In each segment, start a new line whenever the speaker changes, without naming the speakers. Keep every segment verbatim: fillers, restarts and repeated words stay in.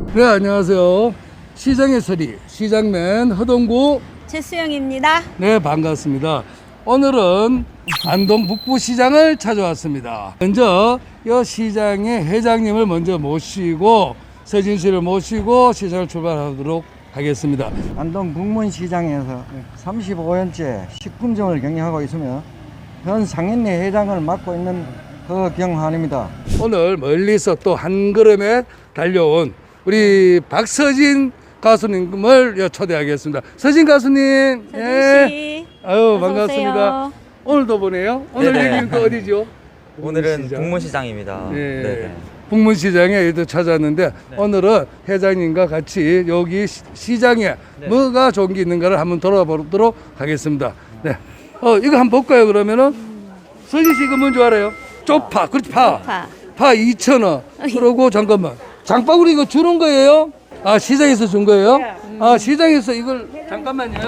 네, 안녕하세요. 시장의 소리, 시장맨 허동구
최수영입니다.
네, 반갑습니다. 오늘은 안동 북부시장을 찾아왔습니다. 먼저 이 시장의 회장님을 먼저 모시고 서진 씨를 모시고 시장을 출발하도록 하겠습니다.
안동 북문시장에서 삼십오 년째 식품점을 경영하고 있으며 현 상인회 회장을 맡고 있는 허경환입니다.
오늘 멀리서 또 한 걸음에 달려온 우리 박서진 가수님을 초대하겠습니다. 서진 가수님,
서진
예.
씨,
아유
어서
반갑습니다.
오세요.
오늘도 보네요. 오늘
네네.
여기는 또 어디죠?
오늘은
북문시장.
북문시장입니다.
네.
네네.
북문시장에 또 찾았는데
네.
오늘은 회장님과 같이 여기 시- 시장에
네.
뭐가 좋은 게 있는가를 한번 돌아보도록 하겠습니다. 네. 어 이거 한번 볼까요? 그러면은 서진 씨 이거 뭔지 알아요? 쪽파, 그렇지 파.
파.
파 이천 원. 그러고 잠깐만. 장바구니 이거 주는 거예요? 아 시장에서 준 거예요? 아 시장에서 이걸 잠깐만요.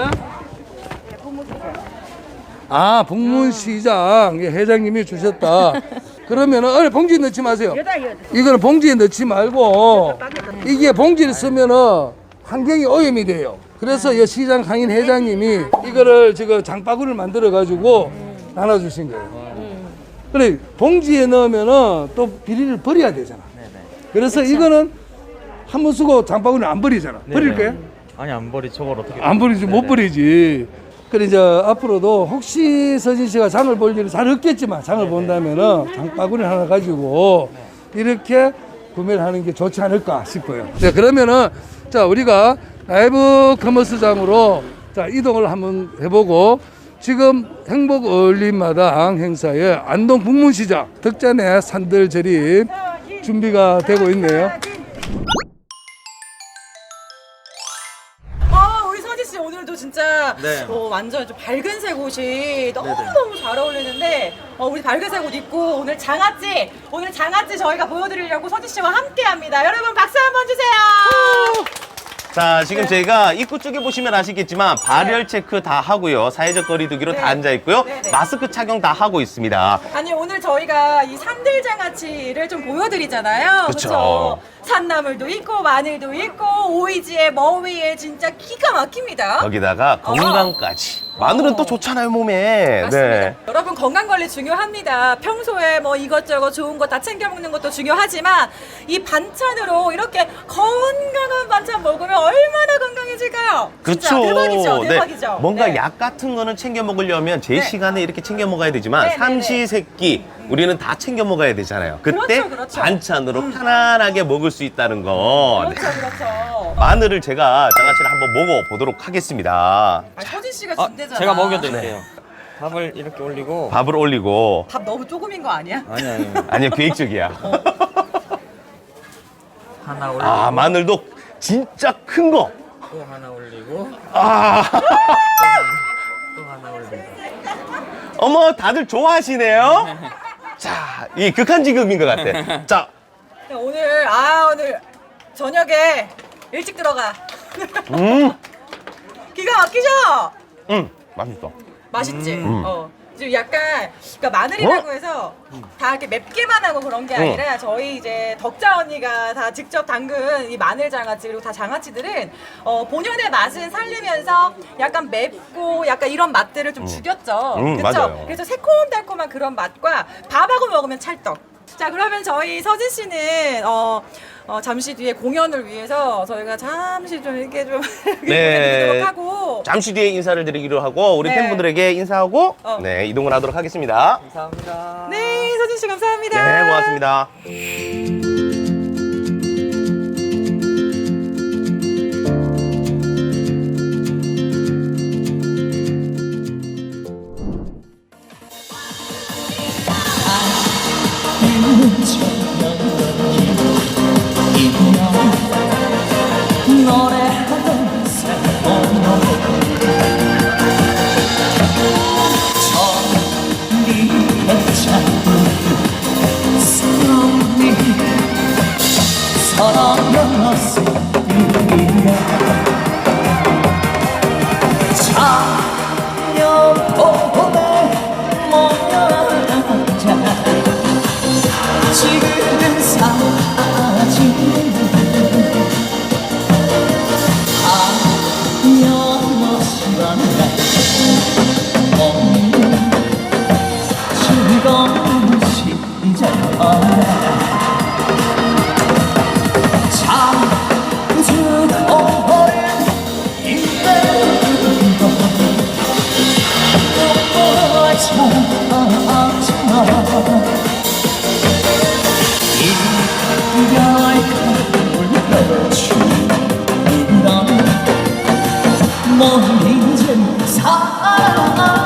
아 북문시장 예, 회장님이 주셨다. 그러면은 어, 봉지에 넣지 마세요. 이거는 봉지에 넣지 말고 이게 봉지를 쓰면은 환경이 오염이 돼요. 그래서 이 시장 상인 회장님이 이거를 지금 장바구니를 만들어 가지고 나눠주신 거예요. 그래 봉지에 넣으면은 또 비닐을 버려야 되잖아. 그래서 이거는 한 번 쓰고 장바구니 안 버리잖아. 버릴 거야?
아니 안 버리 저걸 어떻게?
안 버리지 못
네네.
버리지. 그래 이제 앞으로도 혹시 서진 씨가 장을 볼 일은 잘 없겠지만 장을 본다면은 장바구니 하나 가지고 이렇게 구매를 하는 게 좋지 않을까 싶어요. 네 그러면은 자 우리가 라이브 커머스장으로 자 이동을 한번 해보고 지금 행복 어울림마당 행사에 안동 북문시장 덕전의 산들 절입 준비가 되고 있네요.
아, 우리 서지 씨 오늘도 진짜
네.
어, 완전 좀 밝은색 옷이 너무너무 잘 어울리는데 어, 우리 밝은색 옷 입고 오늘 장아찌 오늘 장아찌 저희가 보여드리려고 서지 씨와 함께 합니다. 여러분 박수 한번 주세요.
자, 지금 저희가 입구 쪽에 보시면 아시겠지만 발열 체크 다 하고요. 사회적 거리두기로
네.
다 앉아 있고요.
네, 네.
마스크 착용 다 하고 있습니다.
아니 오늘 저희가 이 산들장아찌를 좀 보여드리잖아요.
그쵸.
그쵸? 산나물도 있고 마늘도 있고 오이지에 머위에 진짜 기가 막힙니다.
거기다가 건강까지. 마늘은 또 좋잖아요, 몸에.
맞습니다. 여러분 건강 관리 중요합니다. 평소에 뭐 이것저것 좋은 거 다 챙겨 먹는 것도 중요하지만 이 반찬으로 이렇게 건강한 반찬 먹으면 얼마나 건강해질까요? 진짜
그렇죠.
대박이죠, 대박이죠.
뭔가
네.
약 같은 거는 챙겨 먹으려면 제
네.
시간에 이렇게 챙겨 먹어야 되지만
네, 네,
삼시세끼 우리는 다 챙겨 먹어야 되잖아요. 그때
그렇죠, 그렇죠.
반찬으로 편안하게 먹을 수 있다는 거. 네.
그렇죠, 그렇죠.
마늘을 제가 장아찌를 한번 먹어보도록 하겠습니다.
아, 서진 씨가
아,
준대잖아.
제가 먹여드릴게요. 밥을 이렇게 올리고.
밥을 올리고.
밥 너무 조금인 거 아니야?
아니 아니.
아니요, 계획적이야.
하나 올리고.
아, 마늘도 진짜 큰 거.
또 하나 올리고.
아,
또 하나 올리고.
어머, 다들 좋아하시네요. 자, 이 극한직업인 것 같아. 자,
오늘 아 오늘 저녁에 일찍 들어가.
음,
기가 막히죠?
음, 맛있어.
맛있지?
음.
어. 지금 약간 그러니까 마늘이라고
어?
해서 다 이렇게 맵게만 하고 그런 게
음.
아니라 저희 이제 덕자 언니가 다 직접 담근 이 마늘 장아찌 그리고 다 장아찌들은 어, 본연의 맛은 살리면서 약간 맵고 약간 이런 맛들을 좀 죽였죠.
음,
그쵸?
맞아요.
그래서 새콤달콤한 그런 맛과 밥하고 먹으면 찰떡. 자 그러면 저희 서진 씨는 어, 어, 잠시 뒤에 공연을 위해서 저희가 잠시 좀 이렇게 좀
네.
보내드리도록 하고
잠시 뒤에 인사를 드리기로 하고 우리
네.
팬분들에게 인사하고
어.
네, 이동을 하도록 하겠습니다.
감사합니다.
네 서진 씨 감사합니다.
네, 고맙습니다.
노래하던 새로운 천리의 자꾸 서러움이 서러웠을 뿐이야 자녀 보내 모여자 지금 이별 가물가물 넌 이젠 사랑